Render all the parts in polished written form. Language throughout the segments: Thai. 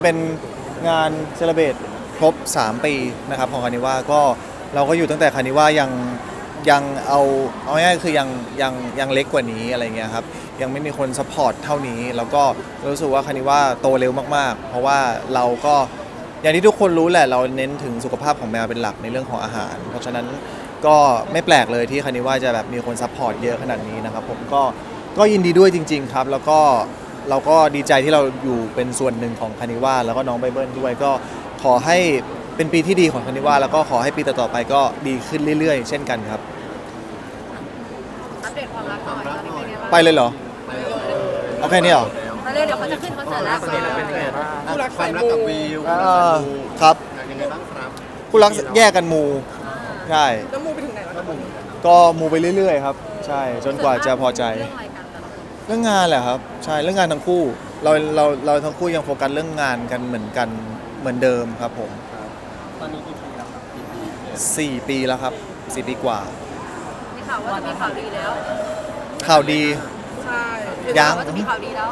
เป็นงานเซเลบรตครบ3 ปีนะครับของคานิว่าก็เราก็อยู่ตั้งแต่คานิว่ายังเอาง่ายๆคือยังเล็กกว่านี้อะไรเงี้ยครับยังไม่มีคนซัพพอร์ตเท่านี้แล้วก็รู้สึกว่าคานิว่าโตเร็วมากๆเพราะว่าเราก็อย่างที่ทุกคนรู้แหละเราเน้นถึงสุขภาพของแมวเป็นหลักในเรื่องของอาหารเพราะฉะนั้นก็ไม่แปลกเลยที่คานิว่าจะแบบมีคนซัพพอร์ตเยอะขนาดนี้นะครับผมก็ยินดีด้วยจริงๆครับแล้วก็เราก็ดีใจที่เราอยู่เป็นส่วนหนึ่งของคานิว่าแล้วก็น้องไบเบิลด้วยก็ขอให้เป็นปีที่ดีของคานิว่าแล้วก็ขอให้ปีต่อๆไปก็ดีขึ้นเรื่อยๆเช่นกันครับอัปเดตความรักหน่อยตอนนี้เป็นไงบ้างไปเลยเหรอเอาแค่นี้เหรอไปเลยเดี๋ยวเขาจะขึ้นคอนเสิร์ตแล้วเป็นไงบ้างคู่รักความรักกับวิวครับยังไงบ้างครับคู่รักแยกกันมูใช่แล้วมูไปถึงไหนแล้วครับผมก็มูไปเรื่อยๆครับใช่จนกว่าจะพอใจเรื่องอะไรกันแต่ละคนเรื่องงานแหละครับใช่เรื่องงานทั้งคู่เราทั้งคู่ยังโฟกัสเรื่องงานกันเหมือนเดิมครับผมตอนนี้กี่ปีแล้วครับกี่ปี 4 ปีแล้วครับ4 ปีกว่ามีข่าวว่าจะมีข่าวดีแล้วข่าวดีใช่ยังว่าจะมีข่าวดีแล้ว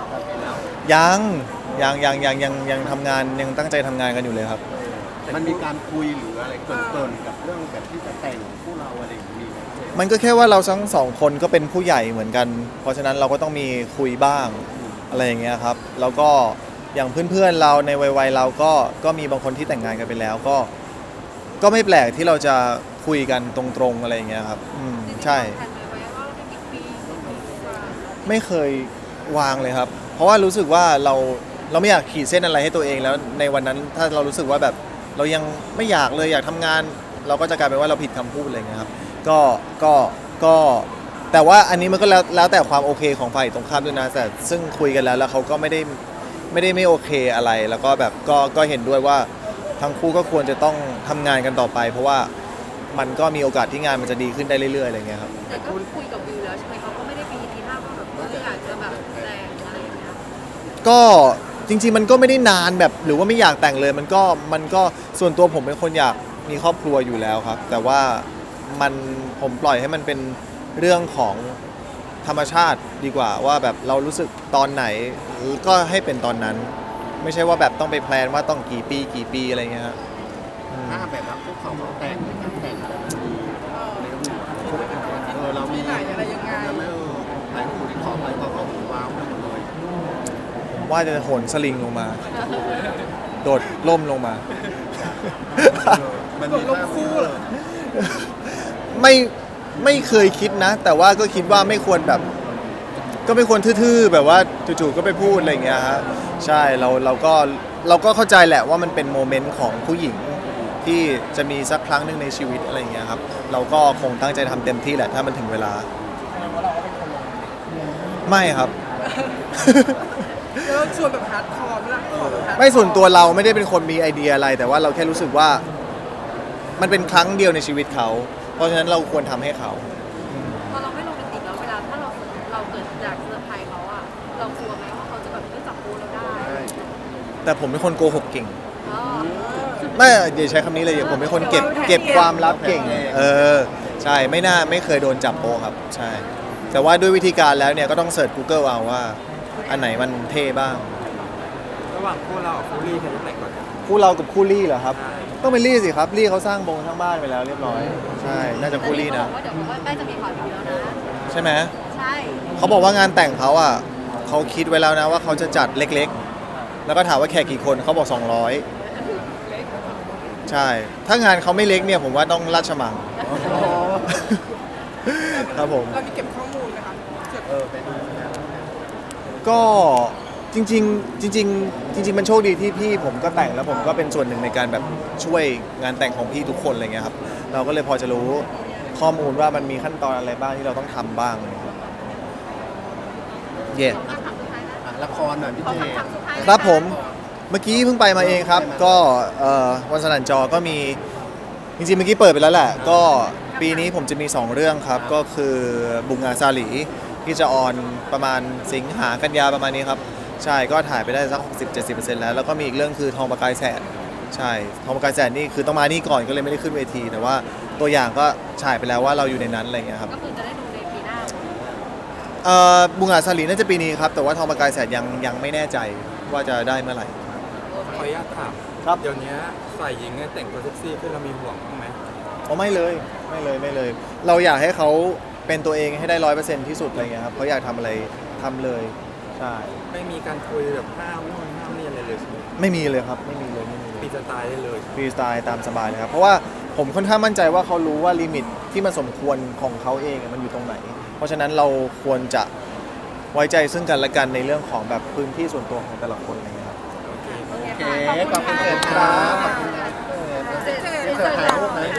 ยังทำงานยังตั้งใจทำงานกันอยู่เลยครับมันมีการคุยหรืออะไรเกินๆกับเรื่องแบบที่จะแต่งคู่เราอะไรอย่างนี้ไหมมันก็แค่ว่าเราทั้งสองคนก็เป็นผู้ใหญ่เหมือนกัน เพราะฉะนั้นเราก็ต้องมีคุยบ้างอะไรอย่างเงี้ยครับแล้วก็อย่างเพื่อนๆเราในวัยเราก็มีบางคนที่แต่งงานกันไปแล้วก็ไม่แปลกที่เราจะคุยกันตรงๆอะไรอย่างเงี้ยครับใช่แผนไว้ว่าจะกี่ปีไม่เคยวางเลยครับ เพราะว่ารู้สึกว่าเราไม่อยากขีดเส้นอะไรให้ตัวเองแล้วในวันนั้นถ้าเรารู้สึกว่าแบบเรายังไม่อยากเลยอยากทำงาน เราก็จะกลายเป็นว่าเราผิดคำพูดอะไรเงี้ยครับก็แต่ว่าอันนี้มันก็แล้วแต่ความโอเคของฝ่ายตรงข้ามด้วยนะแต่ซึ่งคุยกันแล้วเขาก็ไม่โอเคอะไร แล้วก็แบบก็เห็นด้วยว่าทั้งคู่ก็ควรจะต้องทำงานกันต่อไป เพราะว่ามันก็มีโอกาสที่งานมันจะดีขึ้นได้เรื่อยๆอะไรเงี้ยครับแต่ก็คุยกับวิวแล้วใช่ไหมเขาก็ไม่ได้มีทีท่าว่าแบบอยากจะแบบแต่งอะไรอย่างเงี้ยก็จริงๆมันก็ไม่ได้นานแบบหรือว่าไม่อยากแต่งเลยมันก็ส่วนตัวผมเป็นคนอยากมีครอบครัวอยู่แล้วครับ แต่ว่าผมปล่อยให้มันเป็นเรื่องของธรรมชาติดีกว่าว่าแบบเรารู้สึกตอนไหนก็ให้เป็นตอนนั้น ไม่ใช่ว่าแบบต้องไปแพลนว่าต้องกี่ปีอะไรเงี้ยครับถ้าแบบว่าพวกเขาแต่งแต่งอะไรแบบนี้เรามีที่ไหนอะไรยังไงไม่หลายคู่ที่ขอไปก็ว้าวไปหมดเลยผมว่าจะโหนสลิงลงมา โดดล่มลงมามันมีลงคู่เหรอไม่เคยคิดนะ แต่ว่าก็คิดว่าไม่ควรแบบก็ไม่ควรทื่อๆแบบว่าจู่ๆก็ไปพูดอะไรอย่างเงี้ยฮะใช่เราก็เข้าใจแหละว่ามันเป็นโมเมนต์ของผู้หญิงที่จะมีสักครั้งหนึ่งในชีวิตอะไรอย่างเงี้ยครับเราก็คงตั้งใจทำเต็มที่แหละถ้ามันถึงเวลาไม่ครับแล้วชวนแบบฮาร์ดคอร์ไหมล่ะขอแบบฮาร์ดคอร์ไม่ส่วนตัวเราไม่ได้เป็นคนมีไอเดียอะไร แต่ว่าเราแค่รู้สึกว่ามันเป็นครั้งเดียวในชีวิตเขา เพราะฉะนั้นเราควรทำให้เขาพอเราไม่โรแมนติกแล้วเวลาถ้าเราเกิดอยากเซอร์ไพรส์เขาอะเรากลัวไหมว่าเขาจะแบบไม่จับปูเราได้แต่ผมเป็นคนโกหกเก่งอ๋อไม่อย่าใช้คำนี้เลยผมเป็นคนเก็บความลับเก่งใช่ไม่เคยโดนจับโป๊ะครับใช่แต่ว่าด้วยวิธีการแล้วเนี่ยก็ต้องเสิร์ช Google เอาว่าอันไหนมันเท่บ้างระหว่างคู่เรากับคู่ลี่ใครจะแต่งก่อนกันคู่เรากับคู่ลี่เหรอครับต้องเป็นลี่สิครับลี่เขาสร้างทั้งบ้านไปแล้วเรียบร้อยใช่น่าจะคู่ลี่นะว่าเดี๋ยวใกล้จะมีข่าวดีแล้วนะใช่ไหมใช่เขาบอกว่างานแต่งเขาอ่ะเขาคิดไว้แล้วนะว่าเขาจะจัดเล็กๆ แล้วก็ถามว่าแขกกี่คนเขาบอก200ใช่ถ้างานเขาไม่เล็กเนี่ยผมว่าต้องราชมัง ครับผมเรามีเก็บข้อมูลไหมคะเก็บไปดูนะก็จริงๆมันโชคดีที่พี่ผมก็แต่งแล้วผมก็เป็นส่วนหนึ่งในการแบบช่วยงานแต่งของพี่ทุกคนอะไรเงี้ยครับเราก็เลยพอจะรู้ข้อมูลว่ามันมีขั้นตอนอะไรบ้างที่เราต้องทำบ้างเลยครับเย่ละครหน่อยพี่เจครับผมเมื่อกี้เพิ่งไปมาเองครับก็วันสนั่นจอก็มีจริงๆเมื่อกี้เปิดไปแล้วแหละก็ปีนี้ผมจะมี2เรื่องครับก็คือบุงงาซาหลีที่จะออนประมาณสิงหากันยาประมาณนี้ครับใช่ก็ถ่ายไปได้สัก 60-70% แล้วก็มีอีกเรื่องคือทองประกายแสนใช่ทองประกายแสนนี่คือต้องมานี่ก่อนก็เลยไม่ได้ขึ้นเวทีแต่ว่าตัวอย่างก็ฉายไปแล้วว่าเราอยู่ในนั้นอะไรเงี้ยครับก็คือจะได้ดูในปีหน้าบุงงาซาหลีน่าจะปีนี้ครับแต่ว่าทองประกายแสนยังไม่แน่ใจว่าจะได้เมื่อไหร่โอเคขออนุญาตถามครับเดี๋ยวนี้ฝ่ายหญิงเนี่ยแต่งตัวเซ็กซี่ขึ้นเรามีห่วงบ้างไหมอ๋อไม่เลยไม่เลยไม่เลย เราอยากให้เขาเป็นตัวเองให้ได้100%ที่สุดอะไรเงี้ยครับเขาอยากทำอะไรทำเลยใช่ไม่มีการคุยแบบห้ามนู่นห้ามนี่อะไรเลยใช่ไหมไม่มีเลยครับไม่มีเลยไม่มีเลยปีสไตล์ได้เลยฟรีสไตล์ตามสบายเลยครับเพราะว่าผมค่อนข้างมั่นใจว่าเขารู้ว่าลิมิตที่มันสมควรของเขาเองอะมันอยู่ตรงไหน เพราะฉะนั้นเราควรจะไว้ใจซึ่งกันและกันในเรื่องของแบบพื้นที่ส่วนตัวของแต่ละคนอะไรเงี้ยครับโอเคขอบคุณเอิร์ธครับขอบคุณเอิร์ธเอิร์ธถ่ายรูปไหม